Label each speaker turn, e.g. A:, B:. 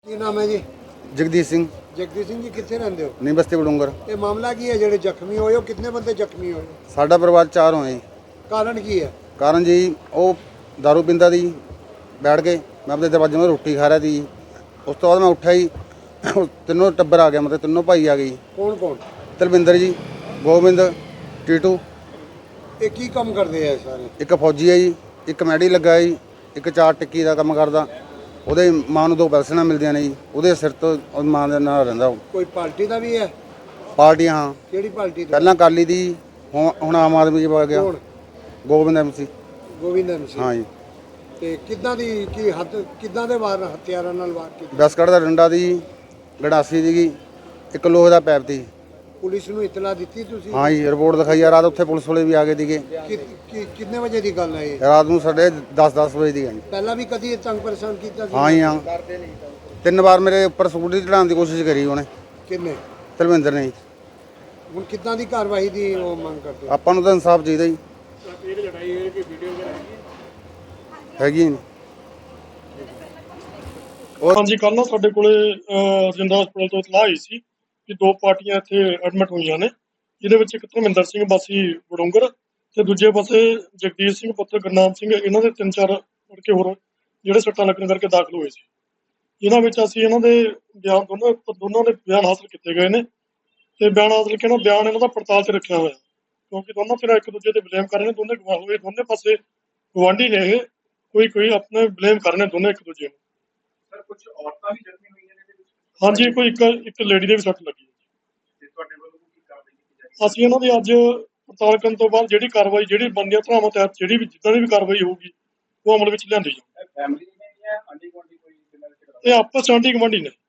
A: ਕੀ ਨਾਮ ਹੈ ਜੀ?
B: ਜਗਦੀਸ਼ ਸਿੰਘ
A: ਜਗਦੀਸ਼ ਸਿੰਘ ਜੀ ਕਿੱਥੇ ਰਹਿੰਦੇ ਹੋ?
B: ਨੀ ਬਸਤੀ ਬਡੂੰਗਰ।
A: ਇਹ ਮਾਮਲਾ ਕੀ ਹੈ ਜਿਹੜੇ ਜ਼ਖਮੀ ਹੋਏ ਹੋ? ਕਿੰਨੇ ਬੰਦੇ ਜ਼ਖਮੀ ਹੋਏ?
B: ਸਾਡਾ ਪਰਿਵਾਰ 4 ਹੋਏ ਜੀ।
A: ਕਾਰਨ ਕੀ ਹੈ?
B: ਕਾਰਨ ਜੀ ਉਹ दारू ਪੀਂਦਾ ਦੀ ਬੈਠ ਕੇ ਮੈਂ ਆਪਣੇ ਦਰਵਾਜ਼ੇ 'ਤੇ ਰੋਟੀ ਖਾ ਰਿਹਾ ਸੀ। ਉਸ ਤੋਂ ਬਾਅਦ ਮੈਂ ਉੱਠਿਆ ਜੀ, ਤਿੰਨੋਂ ਟੱਬਰ ਆ ਗਿਆ, ਮਤਲਬ ਤਿੰਨੋਂ ਭਾਈ ਆ ਗਏ।
A: ਕੌਣ ਕੌਣ?
B: ਤਲਵਿੰਦਰ ਜੀ, ਗੋਬਿੰਦ, ਟੀਟੂ।
A: ਇਹ ਕੀ ਕੰਮ ਕਰਦੇ ਆ ਸਾਰੇ?
B: ਇੱਕ ਫੌਜੀ ਹੈ ਜੀ, ਇੱਕ ਮੈਡੀ ਲੱਗਾ ਹੈ ਜੀ, ਇੱਕ ਚਾਰ ਟਿੱਕੀ ਦਾ ਕੰਮ ਕਰਦਾ। ਉਹਦੇ ਮਾਂ ਨੂੰ 2 ਪੈਨਸ਼ਨਾਂ ਮਿਲਦੀਆਂ ਨੇ ਜੀ, ਉਹਦੇ ਸਿਰ ਤੋਂ ਉਹ ਮਾਂ ਦੇ ਨਾਲ ਰਹਿੰਦਾ ਉਹ।
A: ਕੋਈ ਪਾਰਟੀ ਦਾ ਵੀ ਹੈ?
B: ਪਾਰਟੀਆਂ ਹਾਂ,
A: ਕਿਹੜੀ ਪਾਰਟੀ ਦਾ?
B: ਪਹਿਲਾਂ ਅਕਾਲੀ ਦੀ, ਹੁਣ ਆਮ ਆਦਮੀ 'ਚ ਪਾ ਗਿਆ।
A: ਕੌਣ?
B: ਗੋਬਿੰਦ MC।
A: ਗੋਬਿੰਦ MC।
B: ਹਾਂ ਜੀ।
A: ਤੇ ਕਿੱਦਾਂ ਦੀ ਕੀ ਹੱਥ ਕਿੱਦਾਂ ਦੇ ਵਾਰ ਹਥਿਆਰਾਂ ਨਾਲ ਵਾਰ ਕੀਤੇ?
B: ਦਸਕੜ ਦਾ ਡੰਡਾ ਦੀ, ਗੜਾਸੀ ਦੀ, ਇੱਕ ਲੋਹੇ ਦਾ ਪੈਪ ਦੀ।
A: ਪੁਲਿਸ ਨੂੰ ਇਤਲਾ ਦਿੱਤੀ ਤੁਸੀਂ?
B: ਹਾਂ ਜੀ, ਰਿਪੋਰਟ ਦਿਖਾਈ ਆ। ਰਾਤ ਉੱਥੇ ਪੁਲਿਸ ਵਾਲੇ ਵੀ ਆ ਗਏ ਸੀਗੇ।
A: ਕਿੰਨੇ ਵਜੇ ਦੀ ਗੱਲ ਹੈ ਇਹ?
B: ਰਾਤ ਨੂੰ 10:30 ਵਜੇ ਦੀ ਹੈ ਜੀ।
A: ਪਹਿਲਾਂ ਵੀ ਕਦੀ ਇਹ ਤੰਗ ਪਰੇਸ਼ਾਨ ਕੀਤਾ ਸੀ?
B: ਹਾਂ ਜੀ ਹਾਂ, 3 ਵਾਰ ਮੇਰੇ ਉੱਪਰ ਸਕੂਟਰੀ ਚੜਾਉਣ ਦੀ ਕੋਸ਼ਿਸ਼ ਕਰੀ ਉਹਨੇ,
A: ਕਿੰਨੇ?
B: ਤਲਵਿੰਦਰ ਨੇ ਜੀ।
A: ਹੁਣ ਕਿੱਦਾਂ ਦੀ ਕਾਰਵਾਈ ਦੀ ਉਹ ਮੰਗ ਕਰਦੇ ਹੋ?
B: ਆਪਾਂ ਨੂੰ ਤਾਂ ਇਨਸਾਫ ਚਾਹੀਦਾ ਜੀ। ਹੈਗੀ ਨਹੀਂ
C: ਹਾਂਜੀ, ਕੱਲ੍ਹ ਨਾ ਸਾਡੇ ਕੋਲੇ ਰਜਿੰਦਰਾ ਹਸਪਤਾਲ ਤੋਂ ਇਤਲਾਹ ਆਈ ਸੀ ਕਿ 2 ਪਾਰਟੀਆਂ ਇੱਥੇ ਐਡਮਿਟ ਹੋਈਆਂ ਨੇ, ਜਿਹਦੇ ਵਿੱਚ ਇੱਕ ਧਰਮਿੰਦਰ ਸਿੰਘ ਵਾਸੀ ਬਡੂੰਗਰ ਤੇ ਦੂਜੇ ਪਾਸੇ ਜਗਦੀਸ਼ ਸਿੰਘ ਪੁੱਤਰ ਗੁਰਨਾਮ ਸਿੰਘ, ਇਹਨਾਂ ਦੇ 3-4 ਲੜਕੇ ਹੋਰ ਜਿਹੜੇ ਸੱਟਾਂ ਲੱਗਣ ਕਰਕੇ ਦਾਖਲ ਹੋਏ ਸੀ। ਇਹਨਾਂ ਵਿੱਚ ਅਸੀਂ ਇਹਨਾਂ ਦੇ ਬਿਆਨ ਦੋਨਾਂ ਦੇ ਬਿਆਨ ਹਾਸਲ ਕੀਤੇ ਗਏ ਨੇ ਤੇ ਬਿਆਨ ਹਾਸਲ ਕੇ ਬਿਆਨ ਇਹਨਾਂ ਦਾ ਪੜਤਾਲ 'ਚ ਰੱਖਿਆ ਹੋਇਆ, ਕਿਉਂਕਿ ਦੋਨੋਂ ਧਿਰਾਂ ਇੱਕ ਦੂਜੇ ਤੇ ਬਲੇਮ ਕਰ ਰਹੇ ਨੇ। ਦੋਨੇ ਗਵਾਹ ਹੋਏ, ਦੋਨੇ ਪਾਸੇ ਗਵਾਂਢੀ ਨੇ ਇਹ, ਕੋਈ ਆਪਣੇ ਬਲੇਮ ਕਰ ਰਹੇ ਨੇ ਦੋਨੇ ਇੱਕ ਦੂਜੇ ਨੂੰ।
D: ਸਰ ਕੁਝ ਔਰਤਾਂ ਵੀ ਜ਼ਖਮੀ ਹੋਈਆਂ ਨੇ ਇਹਦੇ ਵਿੱਚ?
C: ਹਾਂਜੀ, ਕੋਈ ਇੱਕ ਲੇਡੀ ਦੇ ਵੀ ਸੱਟ ਲੱਗੀ ਹੈ।
D: ਤੇ ਤੁਹਾਡੇ ਵੱਲੋਂ ਕੀ ਕਾਰਵਾਈ ਕੀਤੀ ਜਾਏਗੀ?
C: ਅਸੀਂ ਇਹਨਾਂ ਦੀ ਅੱਜ ਪੜਤਾਲ ਕਰਨ ਤੋਂ ਬਾਅਦ ਜਿਹੜੀ ਕਾਰਵਾਈ, ਜਿਹੜੀ ਬਣਦੀਆਂ ਧਾਰਾਵਾਂ ਤਹਿਤ ਜਿਹੜੀ ਵੀ ਜਿੱਦਾਂ ਦੀ ਵੀ ਕਾਰਵਾਈ ਹੋਊਗੀ ਉਹ ਅਮਲ ਵਿੱਚ ਲਿਆਂਦੀ ਜਾਊਗੀ।
D: ਫੈਮਿਲੀ ਨੇ ਜਾਂ ਆਂਢੀ ਗੁਆਂਢੀ ਕੋਈ ਜਿਨ੍ਹਾਂ ਦੇ?
C: ਇਹ ਆਪਸ 'ਚ ਆਂਢੀ ਗੁਆਂਢੀ ਨੇ।